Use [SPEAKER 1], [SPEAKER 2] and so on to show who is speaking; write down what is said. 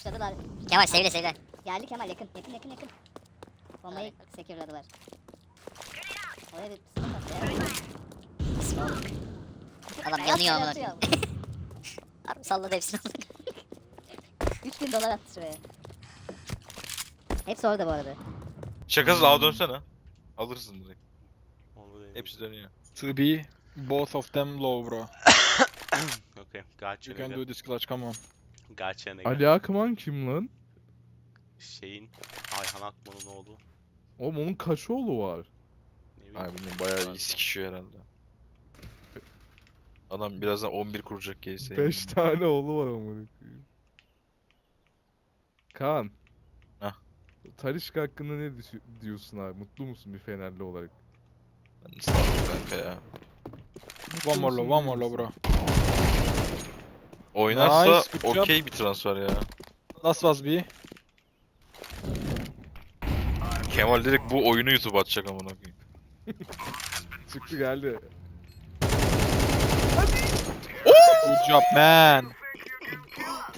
[SPEAKER 1] Pushladılar.
[SPEAKER 2] Kemal sevle sevle.
[SPEAKER 1] Geldi Kemal yakın. Yakın. Bombayı secure'ladılar. Oraya bir smoke attı ya.
[SPEAKER 2] Smoke. Adam yanıyor amına
[SPEAKER 1] Atıyor.
[SPEAKER 2] koyayım. Harbi salladı hepsini.
[SPEAKER 1] 3000 dolar attı şuraya. Hepsi orada bu arada.
[SPEAKER 3] Şakasız ağa dönsene. Alırsın direkt.
[SPEAKER 4] Onu da
[SPEAKER 3] Hepsi dönüyor.
[SPEAKER 5] To be both of them low, bro.
[SPEAKER 4] Okay, gotcha
[SPEAKER 5] You can
[SPEAKER 4] nigga.
[SPEAKER 5] do this clutch, come on.
[SPEAKER 4] Gotcha nigga.
[SPEAKER 6] Ali Akman kim lan?
[SPEAKER 4] Şeyin Ayhan Akman'ın oğlu.
[SPEAKER 6] Oğlum onun kaç oğlu var?
[SPEAKER 4] Ne bileyim.
[SPEAKER 3] Ay bilmiyorum bayağı iyi sikişiyor herhalde. Adam birazdan 11 kuracak GS'yi.
[SPEAKER 6] 5 tane oğlu var amına koyayım. Kaan.
[SPEAKER 3] Hah.
[SPEAKER 6] Talisca hakkında ne diyorsun abi? Mutlu musun bir Fenerli olarak?
[SPEAKER 3] Ben sanmıyorum kanka ya.
[SPEAKER 5] One more low, one more low, bro.
[SPEAKER 3] Oynarsa
[SPEAKER 5] Nice, good job.
[SPEAKER 3] okey bir transfer ya.
[SPEAKER 5] Last was B.
[SPEAKER 3] Kemal direkt bu oyunu YouTube atacak amına koyayım.
[SPEAKER 6] Çıktı geldi.
[SPEAKER 5] Good job, man.